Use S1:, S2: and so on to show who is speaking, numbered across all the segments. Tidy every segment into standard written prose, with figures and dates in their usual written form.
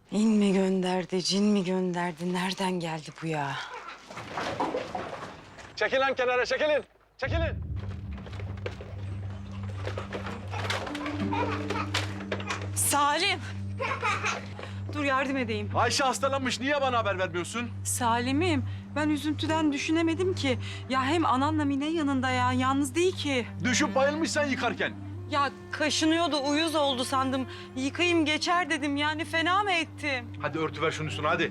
S1: İn mi gönderdi, cin mi gönderdi? Nereden geldi bu ya?
S2: Çekilin kenara, çekilin. Çekilin.
S1: Salim! Dur yardım edeyim.
S2: Ayşe hastalanmış. Niye bana haber vermiyorsun?
S1: Salim'im, ben üzüntüden düşünemedim ki. Ya hem ananla Mine yanında ya, yalnız değil ki.
S2: Düşüp bayılmışsan yıkarken.
S1: Ya kaşınıyordu, uyuz oldu sandım. Yıkayayım geçer dedim, yani fena mı ettim?
S2: Hadi örtüver şunun üstüne, hadi.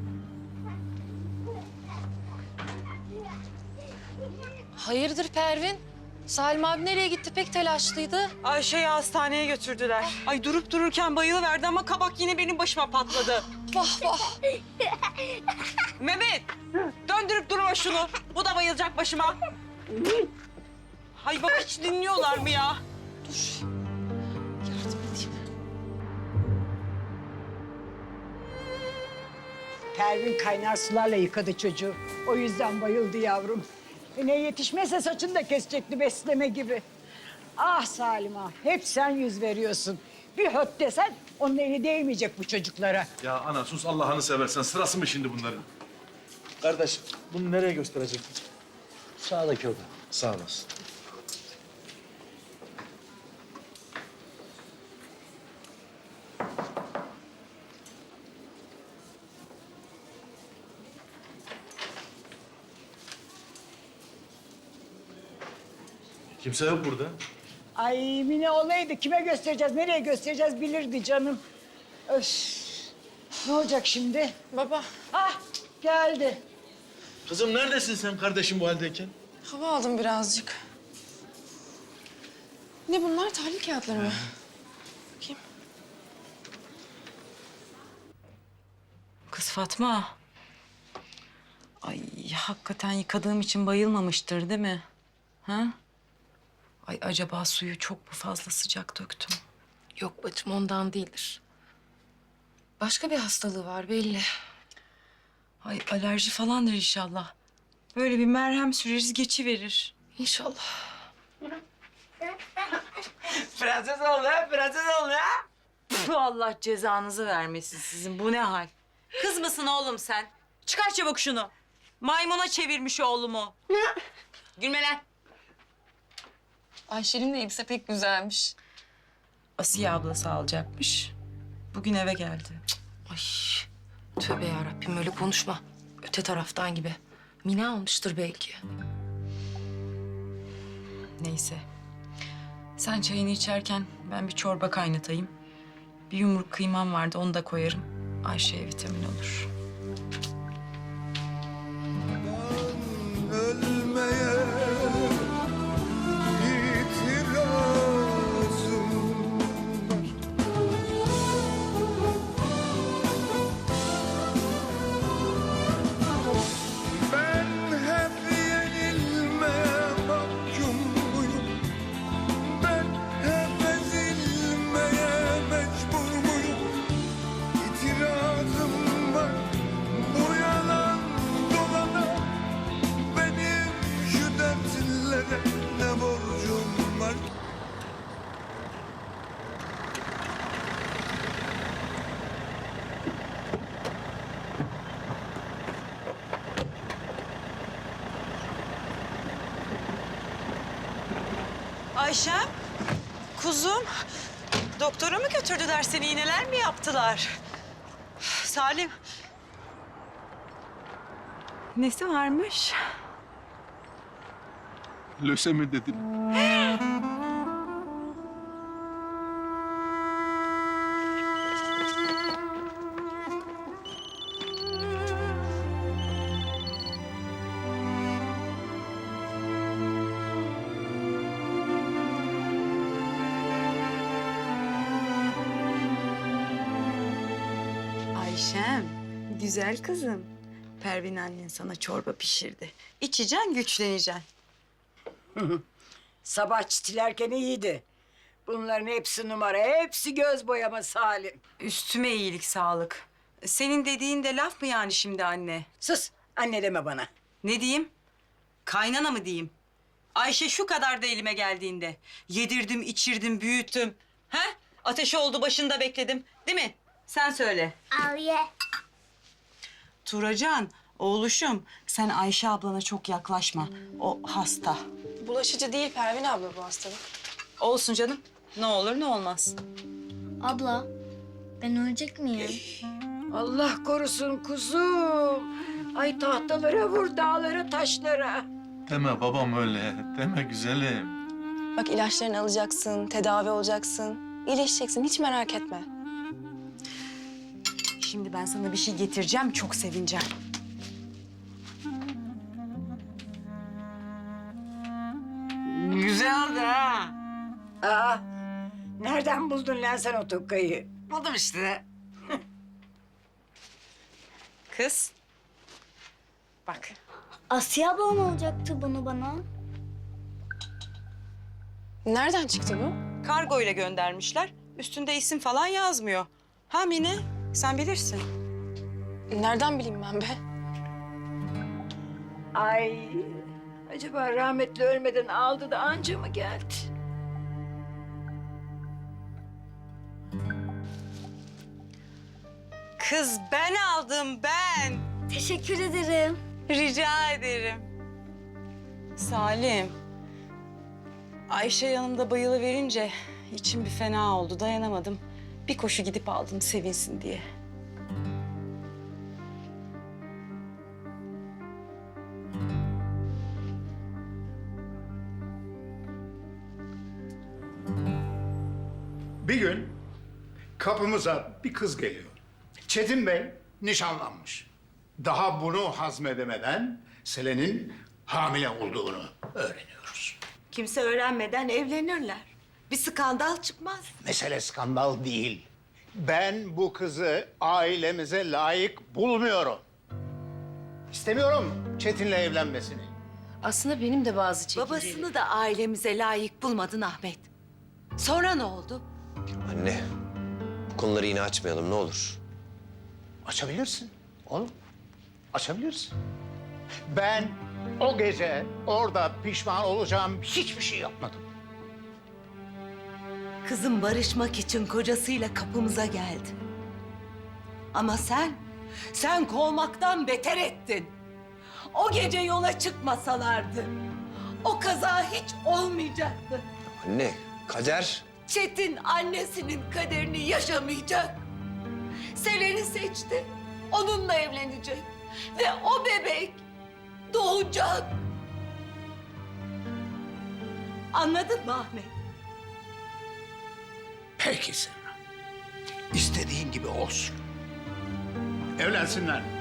S3: Hayırdır Pervin? Salim abi nereye gitti? Pek telaşlıydı.
S1: Ayşe'yi hastaneye götürdüler. Ay durup dururken bayılıverdi ama kabak yine benim başıma patladı.
S3: Vah vah.
S1: Mehmet, döndürüp durma şunu. Bu da bayılacak başıma. Hay bak hiç dinliyorlar mı ya?
S3: Yardım edeyim.
S4: Pervin kaynar sularla yıkadı çocuğu. O yüzden bayıldı yavrum. Ne yetişmezse saçını da kesecekti besleme gibi. Ah Salim ah, hep sen yüz veriyorsun. Bir höt desen onun eli değmeyecek bu çocuklara.
S2: Ya ana sus, Allah'ını seversen. Sırası mı şimdi bunların? Kardeş, bunu nereye gösterecek?
S5: Sağdaki oda.
S2: Sağ olasın. Kimse yok burada.
S4: Ay Mine olaydı kime göstereceğiz, nereye göstereceğiz bilirdi canım. Öf. Ne olacak şimdi?
S3: Baba,
S4: Ah geldi.
S2: Kızım neredesin sen kardeşim bu haldeyken?
S3: hava aldım birazcık. Ne bunlar? Tahlil kağıtları mı? Bakayım.
S1: Kız Fatma. Ay hakikaten yıkadığım için bayılmamıştır değil mi? Ha? Ay acaba suyu çok mu fazla sıcak döktüm?
S3: Yok bacım ondan değildir. Başka bir hastalığı var belli.
S1: Ay alerji falandır inşallah. Böyle bir merhem süreriz geçiverir.
S3: İnşallah.
S1: Prenses oldu ha, prenses oldu ha. Puh, Allah cezanızı vermesin sizin. Bu ne hal? Kız mısın oğlum sen? Çıkar çabuk şunu. Maymuna çevirmiş oğlumu. Gülme lan.
S3: Ayşe'nin de elbise pek güzelmiş.
S1: Asiye ablası alacakmış. Bugün eve geldi.
S3: Ay tövbe yarabbim öyle konuşma. Öte taraftan gibi. Mine almıştır belki.
S1: Neyse. Sen çayını içerken ben bir çorba kaynatayım. Bir yumruk kıymam vardı, onu da koyarım. Ayşe'ye vitamin olur.
S6: Ölmeye itirazım var. Ben hep yenilmeye mahkum muyum? Ben hep ezilmeye mecbur muyum? İtirazım var bu yalan dolana. Benim şu dertlere ne borcum var?
S1: Ayşem, kuzum. Doktora mı götürdüler seni? İğneler mi yaptılar? Salim. Nesi varmış?
S2: Lösemi dedim.
S1: Ayşem, güzel kızım. Pervin annen sana çorba pişirdi. İçeceksin, güçleneceksin.
S4: Sabah çitilerken iyiydi. Bunların hepsi numara, hepsi göz boyama Salim.
S1: Üstüme iyilik, sağlık. Senin dediğin de laf mı yani şimdi anne?
S4: Sus, anne deme bana.
S1: Ne diyeyim? Kaynana mı diyeyim? Ayşe şu kadar da elime geldiğinde. Yedirdim, içirdim, büyüttüm. Ha? Ateşi oldu, başında bekledim. Değil mi? Sen söyle.
S7: Al ye.
S1: Turacan, oğluşum sen Ayşe ablana çok yaklaşma. O hasta.
S3: Bulaşıcı değil Pervin abla bu hastalık.
S1: Olsun canım. Ne olur ne olmaz.
S7: Abla, ben ölecek miyim?
S4: Allah korusun kuzum. Ay tahtalara vur, dağlara, taşlara.
S2: Deme babam öyle. Deme güzelim.
S3: Bak ilaçlarını alacaksın, tedavi olacaksın. İyileşeceksin, hiç merak etme.
S1: Şimdi ben sana bir şey getireceğim, çok sevineceğim. Güzel oldu ha.
S4: Aa, nereden buldun lan sen o tokkayı?
S1: Buldum işte. Kız. Bak.
S7: Asiye ablam alacaktı bunu bana.
S3: Nereden çıktı bu?
S1: Kargo ile göndermişler. Üstünde isim falan yazmıyor. Ha Mine, sen bilirsin.
S3: Nereden bileyim ben be?
S4: Ay, acaba rahmetli ölmeden aldı da anca mı geldi?
S1: Kız ben aldım ben.
S7: Teşekkür ederim.
S1: Rica ederim. Salim. Ayşe yanımda bayılıverince içim bir fena oldu. Dayanamadım. Bir koşu gidip aldım sevinsin diye.
S8: Bir gün kapımıza bir kız geliyor. Çetin Bey nişanlanmış. Daha bunu hazmedemeden Selen'in hamile olduğunu öğreniyoruz.
S9: Kimse öğrenmeden evlenirler. Bir skandal çıkmaz.
S8: Mesele skandal değil. Ben bu kızı ailemize layık bulmuyorum. İstemiyorum Çetin'le evlenmesini.
S3: Aslında benim de bazı çekimlerim.
S9: Babasını da ailemize layık bulmadın Ahmet. Sonra ne oldu?
S5: Anne, bu konuları yine açmayalım ne olur.
S8: Açabilirsin oğlum. Açabilirsin. Ben o gece orada pişman olacağım hiçbir şey yapmadım.
S9: Kızım barışmak için kocasıyla kapımıza geldi. Ama sen kovmaktan beter ettin. O gece yola çıkmasalardı o kaza hiç olmayacaktı.
S5: Anne, kader.
S9: Çetin annesinin kaderini yaşamayacak. Selen'i seçti. Onunla evlenecek. Ve o bebek doğacak. Anladın mı Ahmet?
S8: Peki Semra. İstediğin gibi olsun. Evlensinler.